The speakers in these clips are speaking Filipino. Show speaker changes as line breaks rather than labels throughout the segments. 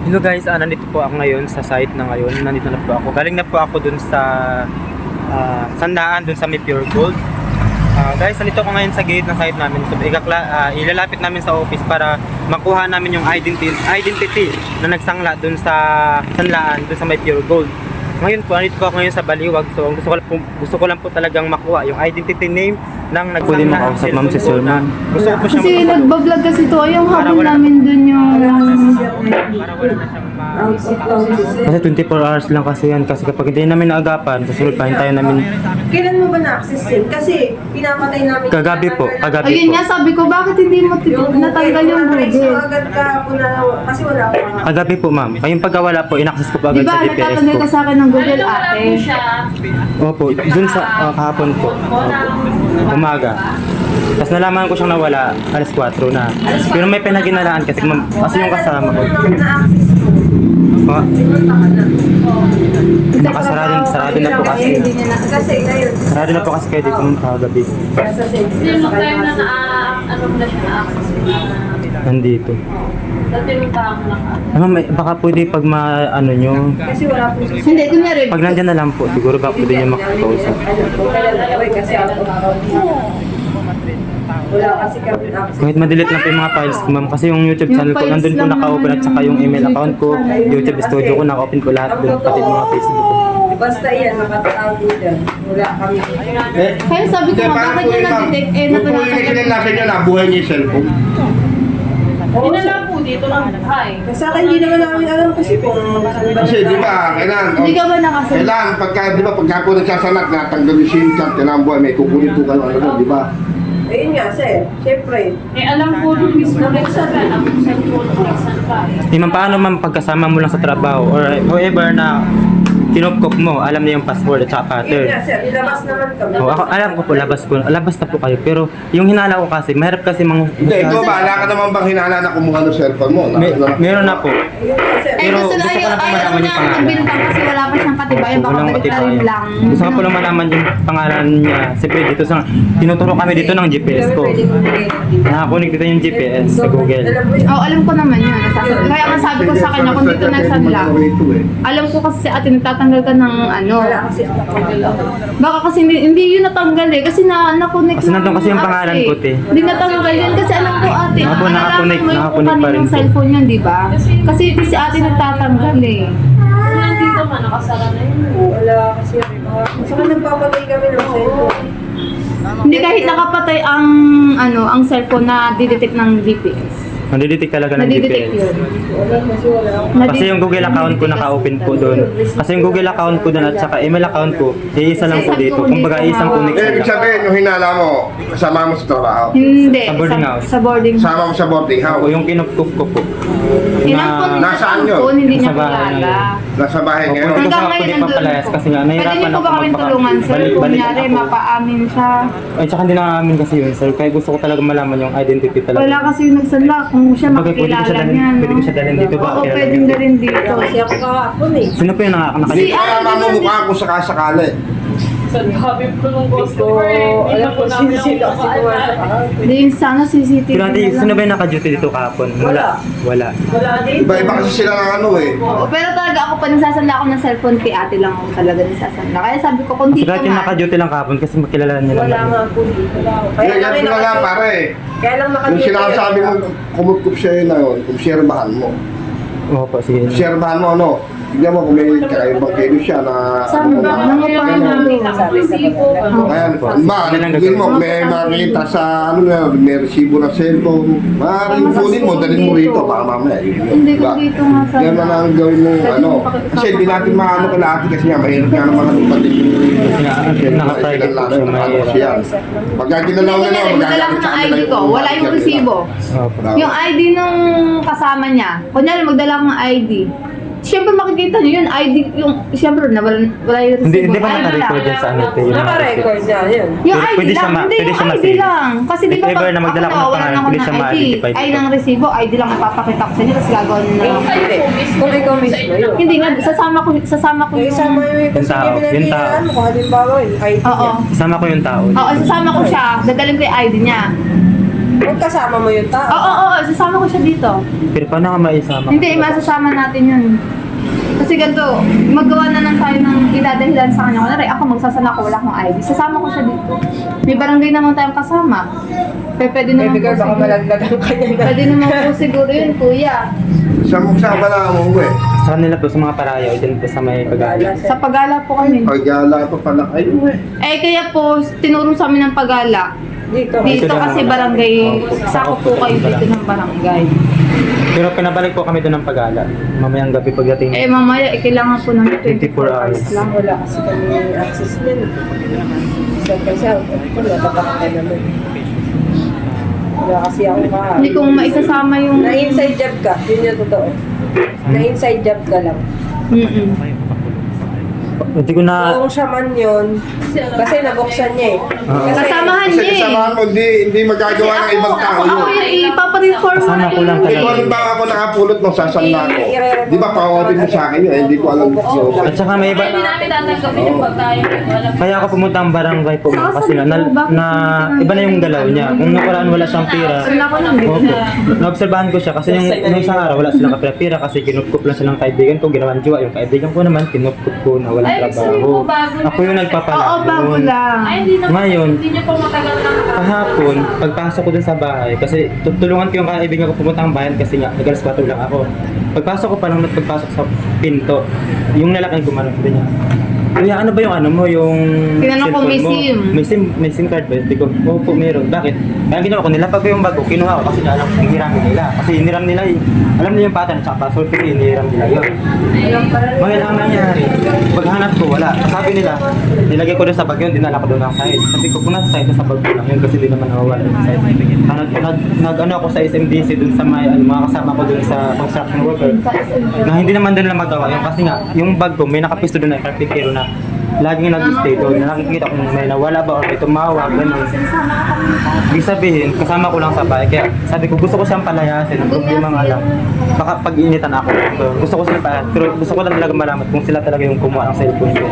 Hello guys, nandito po ako ngayon sa site na ngayon. Nandito na po ako. Galing na po ako dun sa Sandaan, dun sa may Pure Gold. Guys, nandito ako ngayon sa gate ng site namin. So, ilalapit namin sa office para makuha namin yung identity na nagsangla dun sa Sandaan, dun sa may Pure Gold. Ngayon po, nandito po ako ngayon sa Baliwag. So, gusto ko lang po talagang makuha yung identity name ng nagsangla.
Pwede makausap ma'am si Sir ma'am.
Gusto ko po siya
Kasi nagbablog kasi to, yung habol namin dun yung...
para wala na siyang
Kasi 24 hours lang kasi yan. Kasi kapag hindi namin naagapan, susunod pa hintayin namin.
Kailan mo ba na-access yun? Kasi pinapatay namin.
Kagabi po.
Ayun nga, sabi ko, bakit hindi mo natanggal yung Google?
Agad ka po na, kasi wala ko.
Kagabi po ma'am. Kayong pagkawala po, in-access ko po agad
Diba,
sa GPS
nagtatanggal
po.
ka sa akin ng Google ate?
Opo, dun sa kahapon po. Opo. Umaga. Tapos nalaman ko siyang nawala, alas 4 na. Pero may pinaginalaan kasi ma'am, kasi yung kasama ko.
Na-access ko.
Pa, sarado na po kasi.
Kasi ngayon.
Sarado na po kasi kayo dito nung kagabi.
Sa
Yung time na ano mo na siya na-access mo na
Nandito.
dati yung parang
Baka pwede pag ano nyo,
Kasi wala po.
Hindi, kunyari,
pag nandyan na lang po, siguro baka pwede nyo makakausap.
Kasi wala kasi kami access.
Kahit ma-delete lang po yung mga files ko ma'am. Kasi yung YouTube
Yung
channel ko,
files
nandun po
lang
naka-open at saka yung email account ko, YouTube studio ko, naka-open ko lahat dun, pati mga Facebook ko.
Basta yan, nakatago dyan. Wala kami.
kaya sabi ko nga, bakit nyo na-detect eh, na
Kung po yung kinalasan nyo na, buhay niyo yung cellphone.
Dinala po dito ng bahay.
Sa akin, hindi naman namin alam kasi kung saan ba.
Kasi di ba, kailangan,
Hindi ka ba nakasunod?
kailangan pagka po nagsasanak, natanggal yung SIM card, kailangan buhay, may kukunin po kayo, ano, di ba?
Ayun nga, sir. Siyempre.
Alam ko nung mismo nagsabi ang cellphone ng saan ka.
Ma'am, paano ma'am pagkasama mo lang sa trabaho or whoever na kinupkop mo, alam niya yung password at saka
Ayun nga,
pattern.
sir. Ilabas naman kami.
Ako, alam ko po, labas na po kayo. Pero yung hinala ko kasi, mahirap kasi
Hindi, ikaw ba, ala ka naman bang hinala na kumuha ng cellphone mo?
meron na po.
Ayun nga, sir.
Eh,
Pero
gusto na
gusto ko lang po
ayaw
malaman
niya
yung pangalan.
magbintang kasi wala pa siyang katibayan, baka
Walang
balik na rin
katibayan.
lang.
Gusto ko po lang malaman yung pangalan niya. Siyempre dito sa, tinuturo kami dito ng GPS ko.
Pwede mo bigay.
Nakakunik dito yung GPS sa Google.
Alam mo yun.
Oo, alam ko naman yun. Kaya nga sabi ko sa kanya, kung dito nagsadla, alam ko kasi si ate nagtatanggal ka ng ano.
Wala kasi ako.
Baka kasi hindi yun natanggal eh. Kasi na-connect
Kasi nandun kasi yung pangalan ko, te.
Hindi natanggal yun kasi alam ko ate.
Ako, nakakonect
mo yung
pa rin
kaninong
po.
cellphone yun, di ba? Kasi si ate nagtatanggal eh.
Kung nandito man, nakasara na yun.
Wala kasi ako. Saka nagpapatay kami ng cellphone.
Hindi kahit nakapatay ang cellphone na didetect ng GPS.
Nandidetect talaga ng
Nadidetect
GPS.
yun.
Wala kasi wala ako.
Kasi yung Google account ko naka-open po doon. Kasi yung Google account ko doon at saka email account ko, isa lang po dito. Kumbaga isang connection
Ibig
lang.
sabihin, yung hinala mo, kasama mo sa trabaho.
Hindi.
Sa boarding house.
Sa boarding house.
Sama mo sa boarding
Ako
house.
yung kinupkup ko po.
Ilang po
Nasaan yun?
hindi niya
Sa bahay
kilala.
ngayon.
Nasa bahay ngayon.
Opo.
Hanggang
Gusto ko
ngayon
hindi
nandun
papalayas
po.
kasi nga,
Pwede
nahirapan
niyo po
ako
ba kami
magpaka-
tulungan, sir?
balik-
Kung
balik
nyari,
ako.
mapaamin siya.
Ay, tsaka hindi namin kasi yun, sir. Kaya gusto ko talaga malaman yung identity talaga.
Wala kasi yung nagsanla kung siya
Bagay, pwede ko siya
makikilala
dalhin-
niya.
pwede ko siya dalhin dito ba?
Oo,
Kilala
pwedeng
niyo.
dalhin dito.
Kasi ako kahapon eh.
Sino po yung
Si
nakakita?
Kaya mamumukha ko sakasakali.
Sa sabi ko nung customer, hindi
Alam
po
ko
namin
sino
ako
kasi
maalala.
Hindi, sana CCTV
Pero ate,
na
sino
lang.
ba yung naka-duty dito kahapon? Wala.
Wala din.
Iba-iba kasi sila ng ano eh.
Oo, pero talaga ako pa nagsasanda ako ng cellphone kay ate lang ako talaga nagsasanda. Kaya sabi ko, kung
Kasi
dito
kahit yung
nga,
naka-duty lang kahapon kasi makilala niya lang.
Wala nga po dito.
Kaya ganito na lang pare.
Kaya lang
Yung
nakadito.
sinasabi mo, kumukup siya yun na yun, kumsirbahan mo.
Opo, sige.
Kumsirbahan mo ano, tignan mo kung may kakaibang kayo siya na
Sabi ba,
ano
mga pangalan.
Sabi sa pagkakala.
Ayan, ba, tingin mo, may makikita sa ano na, may resibo ng cellphone. Maaaring kunin mo, dalhin mo rito, baka mamaya.
Hindi ko dito nga sa...
Yan ang gawin mo, ano. Kasi hindi natin maano ka lahat kasi nga, mahirap nga naman ang pati.
Kasi naka-private po siya, mahirap.
Pagka ginalaw na lang,
Magdala ko ng ID ko, wala yung resibo.
Opo.
Yung ID nung kasama niya, kunyari magdala ko ng ID. Siyempre makikita niyo yun, ID, yung, siyempre wala yung resibo.
Hindi ba
ID lang.
naka-record yan sa ano? te, yung mga
Naka-record
receipt?
niya, yun.
Yung
Pwede-
ID
pwede siya
lang,
ma-
hindi
pwede
yung
siya
ID
ma-save.
lang. Kasi di
If
ba
ever na magdala ko ng
nawawalan
pangalan,
ako
pwede
ng
siya
ID,
ma-identify
ay
dito.
ng resibo, ID lang ipapakita ko sa inyo, tapos gagawin na lang.
Hindi. Kung ikaw mismo yun.
Hindi nga, sasama ko
Yung
yung...
isama yung kasi
tao, yung tao.
mo, kung halimbawa yung ID
Oo.
niya.
Isama ko yung tao.
Oo, sasama ko siya, dadalhin ko yung ID niya.
Magkasama mo yung tao.
Oo, sasama ko siya dito.
Pero paano ka maisama?
Hindi, masasama natin yun. Kasi ganito, magawa na lang tayo ng idadahilan sa kanya. Kunwari, ako magsasala ko, wala akong ID. Sasama ko siya dito. May barangay naman tayong kasama. Pero pwede naman
Baby girl,
po
baka
siguro.
malagdagan ka niya.
Pwede naman po siguro yun, kuya.
Saan ba na mo eh?
Sa kanila po, sa mga parayaw, dyan po sa may pag-aaral.
Sa pagala po kami.
Ay, gala pa pala kayo eh.
Eh, kaya po, tinuro sa amin ng pagala.
Dito.
Dito
lang
kasi
naman.
barangay,
Opo.
sako po kayo dito ng barangay.
Pero pinabalik po kami doon ng pag-aaral. Mamayang gabi pagdating.
Eh, mamaya, kailangan po ng
24 hours.
lang.
Wala kasi kami access niyan. Kasi wala pa ka naman. Wala kasi ako ka.
Hindi kong maisasama yung...
Na inside job ka, yun yung totoo. Na inside job ka lang.
Mm-mm.
Hindi ko na...
Kung siya man yun, kasi nabuksan niya eh. Kasi,
Kasamahan
Kasi
niya eh.
kasamahan mo, hindi magagawa ng ibang tao
Ako
yun.
yun, ipapareform mo
Kasama
na
ko lang
yun.
Hindi ko alam ba ako nakapulot ng sasanda ko. Di ba pa-audit mo sa akin yun? Hindi ko alam yun.
At saka may iba...
Hindi namin tatanggapin yung pagkain. Wala
Kaya ako pumunta ang barangay po ma'am, kasi na iba na yung galaw niya. Kung nakaraan wala siyang pira.
Wala ko lang
Opo. Naobserbahan ko siya kasi yung isang araw wala silang kapira-pira kasi kinupkup lang silang kaibigan ko, ginawan jowa. Yung kaibigan ko naman, kinupkup ko na walang trabaho. Ako yung nagpapala.
Oo, bago lang.
Ay, hindi naman.
Ngayon,
Hindi niyo po matagal na
kahapon, pagpasok ko dun sa bahay, kasi tutulungan ko yung kaibigan ko pumunta ang bayan kasi nga, nag-alas 4 lang ako. Pagpasok ko pa lang pagpasok sa pinto, yung lalaki gumano ko niya. Kuya, ano ba yung ano mo, yung
Tinanong ko, may
cellphone mo?
SIM.
May SIM card ba? Hindi ko, opo, meron. Bakit? Kaya ginawa ko, nilapag ko yung bago, kinuha ko kasi alam ko, hiniram nila. Kasi hiniram nila yung, alam nila yung pattern at password kasi hiniram nila yun. Ngayon ang nangyari, paghanap ko, wala. Sabi nila, nilagay ko doon sa bag yun, dinala ko doon ng side. Sabi ko, kung nasa side, nasa bag ko lang yun kasi di naman nawawala yung side. Nag-ano ako sa SMDC doon sa mga kasama ko doon sa construction worker. Na hindi naman doon lang magawa yun kasi nga, yung bag ko, may nakapisto doon na karpintero na laging nag-stay doon. Nakikita kung may nawala ba or may tumawag, gano'n. Ibig sabihin, kasama ko lang sa bahay. Kaya sabi ko, gusto ko siyang palayasin. Ang problema nga lang, baka pag-initan ako. So, gusto ko sila palayasin. Pero gusto ko lang talaga malaman kung sila talaga yung kumuha ng cellphone ko.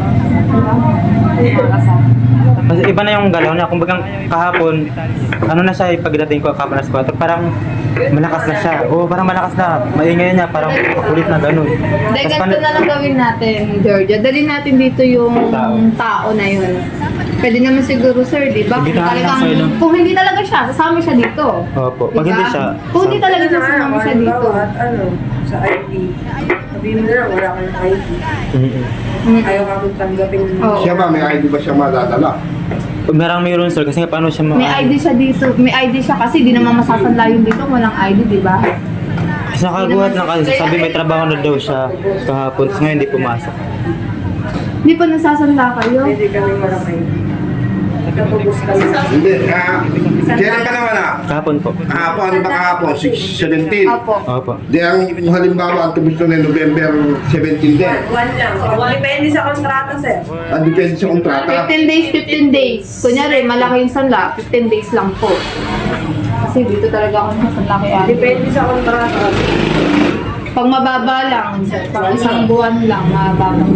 Kasi iba na yung galaw niya. Kung bagang kahapon, ano na siya pagdating ko kahapon alas 4, parang malakas na siya. Oo, parang malakas na. Maingay niya, parang kulit na gano'n.
Hindi,
Tas
ganito na lang gawin natin, Georgia. Dalhin natin dito yung tao na yun. Pwede naman siguro, sir, di ba?
Hindi tayo lang sa'yo, no?
Kung hindi talaga siya, sasama siya dito.
Opo, pag
Diba?
hindi siya,
Kung hindi talaga siya, sasama siya dito.
At ano, sa ID. Sabihin mo na lang, wala kang ID. Ayaw ka kong tanggapin.
Oo.
Siya ba, may ID ba siya madadala?
mayroon sir, kasi nga paano siya
May ID siya dito. May ID siya kasi di naman masasanla yun dito kung walang ID, di ba?
Kasi nakaguhat lang kasi sabi may trabaho na daw siya kahapon, tapos ngayon hindi pumasok.
Hindi pa nasasanla kayo.
Pwede kami walang ID. Natubos kami.
Hindi, kailan ka naman ah?
Kahapon po.
Kahapon, ano ba kahapon? 17.
Opo.
Opo.
Di ang halimbawa, ang tubos na November 17 din.
One lang. Depende sa kontrata, sir.
Ang depende sa kontrata.
15 days, 15 days. Kunyari, malaki yung sanla, 15 days lang po. Kasi dito talaga ako nasanla kay Ate.
Depende sa kontrata.
Pag mababa lang, pag isang buwan lang, mababa lang.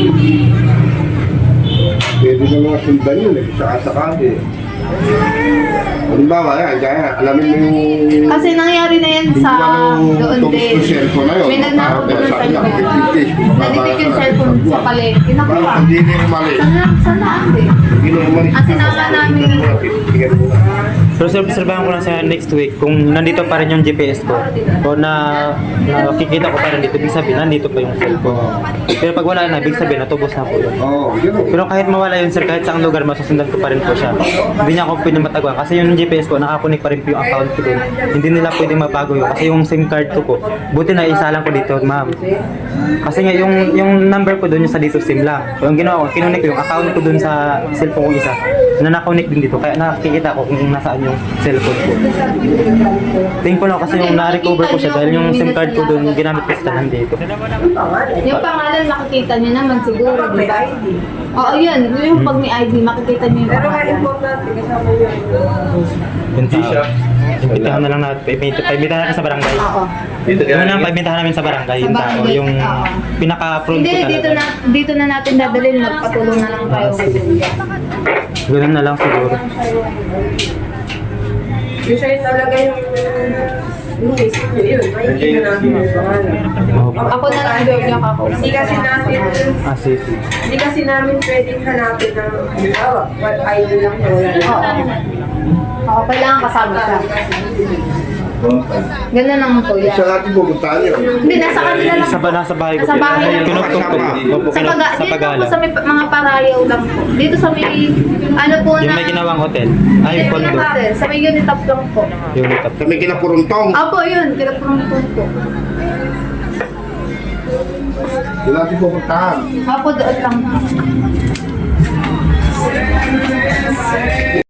Pwede na mga sundan yun eh, sakasakali. Halimbawa, yan, kaya alamin mo yung...
Kasi nangyari na yan sa doon
tubos
din.
yung cellphone na yun.
May nagnakaw din ng
Sabi lang,
cellphone.
15 days,
Nalitik yung cellphone sa palengke. Nakuha.
Parang hindi na umali.
Saan naan din?
Hindi na umali.
Ang sinama namin.
Pero sir, obserbahan ko lang sa next week kung nandito pa rin yung GPS ko o na nakikita ko pa rin dito, ibig sabihin nandito pa yung cellphone. Pero pag wala na, ibig sabihin natubos na po yun.
Oo, gano'n.
Pero kahit mawala yun sir, kahit saang lugar, masusundan ko pa rin po siya. Hindi niya ako pwede matagwan kasi yung GPS ko, nakakunik pa rin po yung account ko dun. Hindi nila pwede mabago yun kasi yung SIM card ko po, buti na isa lang ko dito, ma'am. Kasi nga yung number ko dun yung sa dito SIM lang. So ang ginawa ko, kinunik ko yung account ko dun sa cellphone ko isa na nakunik din dito. Kaya nakikita ko kung nasaan yung cellphone ko. Thankful ako kasi yung na-recover ko siya dahil yung SIM card ko dun, ginamit ko sa nandito.
Yung pangalan, makikita nyo naman siguro, di
May
ba?
ID.
Oo, yun. Yung pag may ID, makikita nyo yung
Pero nga
pangalan.
importante, kasama yun.
Yun siya. Imbitahan na lang natin. Paimbitahan natin sa barangay.
Oo.
Yun ang paimbitahan namin sa barangay. Yung
Sa
tao,
barangay,
yung
oo.
pinaka-front
Hindi,
ko talaga.
dito na natin dadalhin. Magpatulong na lang tayo.
Ganun na lang siguro.
Yung siya talaga yung isip nyo yun. May hindi na natin yung pangalan.
Ako na lang girl yung kakausap.
Asif.
Hindi kasi namin pwedeng hanapin ng what idol lang na wala na.
Oo, kailangan kasama siya. Ganun naman po yan.
Siya natin pupuntahan yun.
Hindi, nasa kanila lang.
Nasa bahay ko.
Nasa bahay lang.
Kinugtog ko. Opo,
Sa
sa
dito po
Pagala.
sa may mga parayaw lang po. Dito sa may, ano po
Yung
na...
may ginawang hotel. Ay,
Hindi
condo.
natin, sa may unitop lang po.
Yung litap.
Sa may kinapuruntong.
Opo, yun. Kinapurong po.
Doon natin pupuntahan.
Opo, doon lang.